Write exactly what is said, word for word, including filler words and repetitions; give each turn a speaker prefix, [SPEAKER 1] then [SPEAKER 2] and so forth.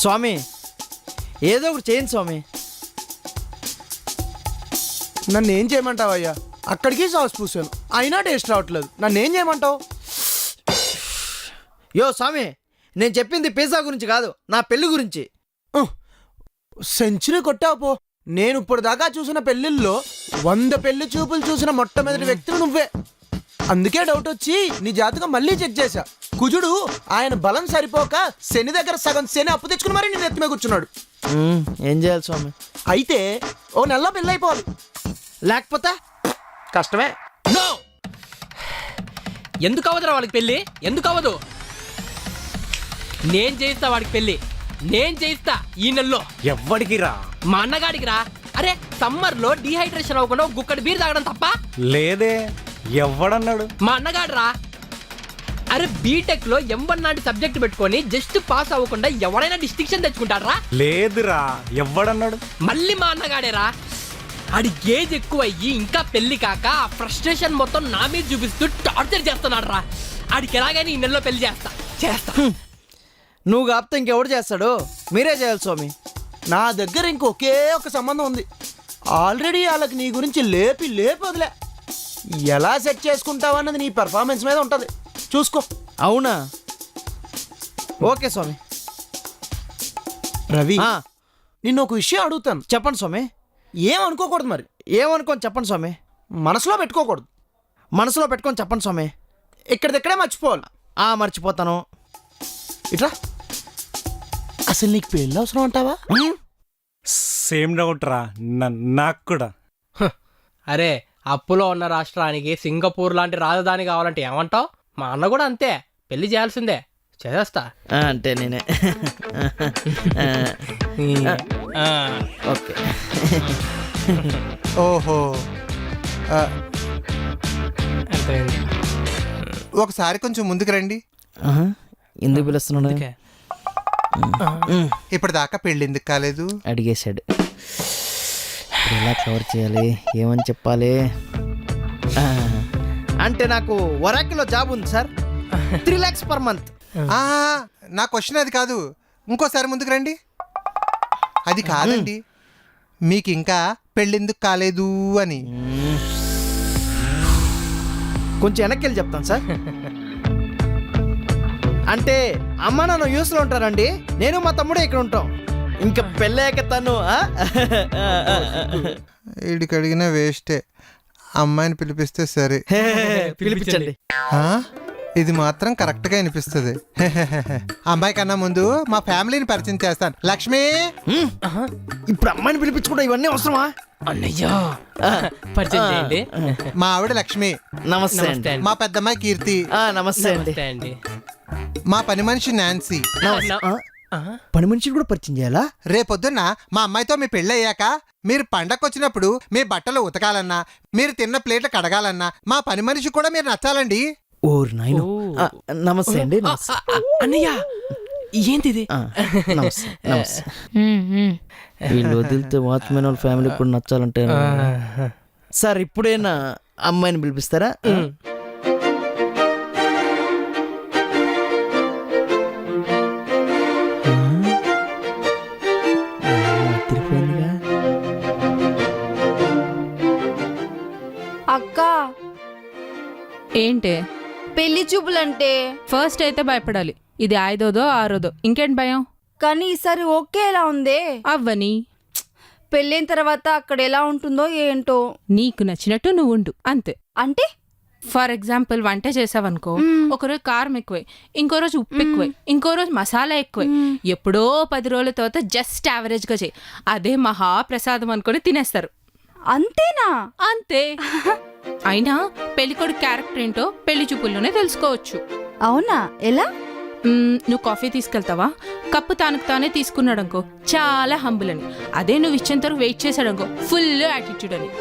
[SPEAKER 1] స్వామి ఏదో ఒకటి చేయండి స్వామి.
[SPEAKER 2] నన్ను ఏం చేయమంటావయ్యా? అక్కడికి సాస్ పూసాను అయినా టేస్ట్ రావట్లేదు. నన్ను ఏం చేయమంటావు?
[SPEAKER 1] యో స్వామి, నేను చెప్పింది పిజ్జా గురించి కాదు, నా పెళ్లి గురించి.
[SPEAKER 2] సెంచరీ కొట్టావు పో. నేను ఇప్పుడు దాకా చూసిన పెళ్లిల్లో వంద పెళ్లి చూపులు చూసిన మొట్టమొదటి వ్యక్తులు నువ్వే. అందుకే డౌట్ వచ్చి నీ జాతకం మళ్ళీ చెక్ చేశా. కుజుడు ఆయన బలం సరిపోక శని దగ్గర సగం శని అప్పు తెచ్చుకుని మరి నేను ఎత్తుమే కూర్చున్నాడు.
[SPEAKER 1] ఏం చేయాలి స్వామి?
[SPEAKER 2] అయితే ఓ నెలలో పెళ్ళి అయిపోవాలి,
[SPEAKER 1] లేకపోతే
[SPEAKER 2] కష్టమే.
[SPEAKER 3] నో, ఎందుకు అవ్వదురా వాడికి పెళ్ళి? ఎందుకు అవ్వదు? నేను చేయిస్తా వాడికి పెళ్ళి, నేను చేయిస్తా ఈ నెలలో.
[SPEAKER 4] ఎవ్వడికి రా?
[SPEAKER 3] మా అన్నగాడికి రా. అరే సమ్మర్ లో డిహైడ్రేషన్ అవ్వకుండా ఒక గుక్కడి బీర్ తాగడం తప్ప?
[SPEAKER 4] లేదే, ఎవ్వడన్నాడు?
[SPEAKER 3] మా అన్నగాడు రా. అరే బీటెక్ లో ఎం వన్ లాంటి సబ్జెక్ట్ పెట్టుకొని జస్ట్ పాస్ అవ్వకుండా ఎవడైనా డిస్టింక్షన్ తెచ్చుకుంటారా?
[SPEAKER 4] లేదురా, ఎవ్వడన్నాడు?
[SPEAKER 3] మళ్ళీ మా అన్నగాడేరా. ఆడి ఏజ్ ఎక్కువ అయ్యి ఇంకా పెళ్లి కాక ఆ ఫ్రస్ట్రేషన్ మొత్తం నా మీద చూపిస్తూ టార్చర్ చేస్తున్నాడు రా. ఆడికి ఎలాగైనా ఈ నెలలో పెళ్లి చేస్తా చేస్తా
[SPEAKER 1] నువ్వు కాపుతే ఇంకెవడు చేస్తాడు? మీరే చేయాలి స్వామి.
[SPEAKER 2] నా దగ్గర ఇంకొకే ఒక సంబంధం ఉంది. ఆల్రెడీ వాళ్ళకి నీ గురించి లేపి లేపి వదిలే. ఎలా సెట్ చేసుకుంటావన్నది నీ పెర్ఫార్మెన్స్ మీద ఉంటుంది, చూసుకో.
[SPEAKER 1] అవునా? ఓకే స్వామి.
[SPEAKER 2] రవి,
[SPEAKER 1] ఆ,
[SPEAKER 2] నిన్ను ఒక విషయం అడుగుతాను,
[SPEAKER 1] చెప్పండి స్వామి.
[SPEAKER 2] ఏమనుకోకూడదు మరి.
[SPEAKER 1] ఏమనుకోని చెప్పండి స్వామి.
[SPEAKER 2] మనసులో పెట్టుకోకూడదు,
[SPEAKER 1] మనసులో పెట్టుకొని చెప్పండి స్వామి.
[SPEAKER 2] ఇక్కడిదక్కడే మర్చిపోవాలి.
[SPEAKER 1] ఆ మర్చిపోతాను.
[SPEAKER 2] ఇట్లా అసలు నీకు పెళ్ళి అవసరం అంటావా?
[SPEAKER 4] సేమ్ డౌట్ రా, న- నాకు కూడా.
[SPEAKER 3] అరే అప్పులో ఉన్న రాష్ట్రానికి సింగపూర్ లాంటి రాజధాని కావాలంటే ఏమంటావు? మా అన్న కూడా అంతే, పెళ్లి చేయాల్సిందే, చేసేస్తా.
[SPEAKER 1] ఆ, అంటే నేనే.
[SPEAKER 3] ఆ.
[SPEAKER 1] ఓకే.
[SPEAKER 5] ఓహో, ఆ,
[SPEAKER 3] అంతేంది.
[SPEAKER 5] ఒకసారి కొంచెం ముందుకు రండి.
[SPEAKER 1] ఆహా, ఎందుకు పిలుస్తున్నాడు?
[SPEAKER 3] అందుకే.
[SPEAKER 5] ఇప్పటిదాకా పెళ్ళి ఎందుకు కాలేదు?
[SPEAKER 1] అడిగేశాడు. ఇప్పుడు ఎలా కవర్ చేయాలి, ఏమని చెప్పాలి? ఆ, అంటే నాకు వరాకిలో జాబ్ ఉంది sir, three lakhs per month.
[SPEAKER 5] ఆ, నా క్వశ్చన్ అది కాదు, ఇంకోసారి ముందుకు రండి. అది కాదండి, మీకు ఇంకా పెళ్ళి ఎందుకు కాలేదు అని.
[SPEAKER 1] కొంచెం వెనక్కి వెళ్ళి చెప్తాను సార్. అంటే అమ్మ నాన్న యూస్లో ఉంటారండి, నేను మా తమ్ముడే ఇక్కడ ఉంటాం. ఇంకా పెళ్ళాక తను ఆ?
[SPEAKER 5] వీడికి అడిగినా వేస్టే, అమ్మాయిని పిలిపిస్తే సరే.
[SPEAKER 1] పిలిపించండి.
[SPEAKER 5] ఆ, ఇది మాత్రం కరెక్ట్గా అనిపిస్తుంది. అమ్మాయి కన్నా ముందు మా ఫ్యామిలీని పరిచయం చేస్తాను. లక్ష్మి,
[SPEAKER 1] హ్మ్. ఇప్పుడు అమ్మాయిని పిలిపించుకుంటా, ఇవన్నీ అవసరమా?
[SPEAKER 3] అన్నయ్యో పరిచయం చేయండి.
[SPEAKER 5] మా ఆవిడ లక్ష్మి.
[SPEAKER 1] నమస్తే
[SPEAKER 3] నమస్తే
[SPEAKER 1] అండి.
[SPEAKER 3] అండి.
[SPEAKER 5] మా పెద్దమ్మాయి కీర్తి.
[SPEAKER 1] ఆ, నమస్తే అండి.
[SPEAKER 3] నమస్తే అండి.
[SPEAKER 5] మా పని మనిషి నాన్సీ.
[SPEAKER 1] నమస్తే. ఆ,
[SPEAKER 3] ఆ?
[SPEAKER 1] పని మనిషిని కూడా పరిచయం చేయాలా?
[SPEAKER 5] రేపొద్దున్న మా అమ్మాయితో మీ పెళ్ళి అయ్యాక మీరు పండగకు వచ్చినప్పుడు మీ బట్టలు ఉతకాలన్నా, మీరు తిన్న ప్లేట్లు కడగాలన్నా మా పని మనిషి కూడా మీరు నచ్చాలండి.
[SPEAKER 1] ఓరు నాయన.
[SPEAKER 3] ఓ.
[SPEAKER 1] నమస్తే అండి.
[SPEAKER 3] ఆ,
[SPEAKER 1] నమస్తే.
[SPEAKER 3] ఆ, ఆ, అన్నయ్య ఏంటిది?
[SPEAKER 1] ఆ, నమస్తే నమస్తే. వీళ్ళు వదిలితే వాచ్మెన్ వాళ్ళ ఫ్యామిలీ కూడా నచ్చాలంటే. సార్ ఇప్పుడైనా అమ్మాయిని పిలిపిస్తారా?
[SPEAKER 3] ఉమ్.
[SPEAKER 1] తిరిగిపోయిందిగా.
[SPEAKER 6] అక్క,
[SPEAKER 7] ఏంటే?
[SPEAKER 6] పెళ్లి చూపులంటే
[SPEAKER 7] ఫస్ట్ అయితే భయపడాలి, ఇది ఐదోదో ఆరోదో, ఇంకేంటి భయం?
[SPEAKER 6] కానీ ఈసారి ఓకే ఎలా ఉందే?
[SPEAKER 7] అవ్వని.
[SPEAKER 6] పెళ్ళైన తర్వాత అక్కడ ఎలా ఉంటుందో ఏంటో.
[SPEAKER 7] నీకు నచ్చినట్టు నువ్వు ఉండు అంతే.
[SPEAKER 6] అంటే
[SPEAKER 7] ఫర్ ఎగ్జాంపుల్ వంట చేసావనుకో, ఒకరోజు కారం ఎక్కువై, ఇంకో రోజు ఉప్పు ఎక్కువై, ఇంకో రోజు మసాలా ఎక్కువై, ఎప్పుడో పది రోజుల తర్వాత జస్ట్ యావరేజ్ గా చేయి, అదే మహాప్రసాదం అనుకొని తినేస్తారు.
[SPEAKER 6] అంతేనా?
[SPEAKER 7] అంతే. అయినా పెళ్లికొడుకు క్యారెక్టర్ ఏంటో పెళ్లి చూపుల్లోనే తెలుసుకోవచ్చు.
[SPEAKER 6] అవునా? ఎలా?
[SPEAKER 7] మ్మ్, నువ్వు కాఫీ తీసుకెళ్తావా? కప్పు తానుకు తానే తీసుకున్నాడనుకో చాలా హంబుల్ అని, అదే నువ్వు ఇచ్చేంత వరకు వెయిట్ చేశాడనుకో ఫుల్ యాటిట్యూడ్ అని.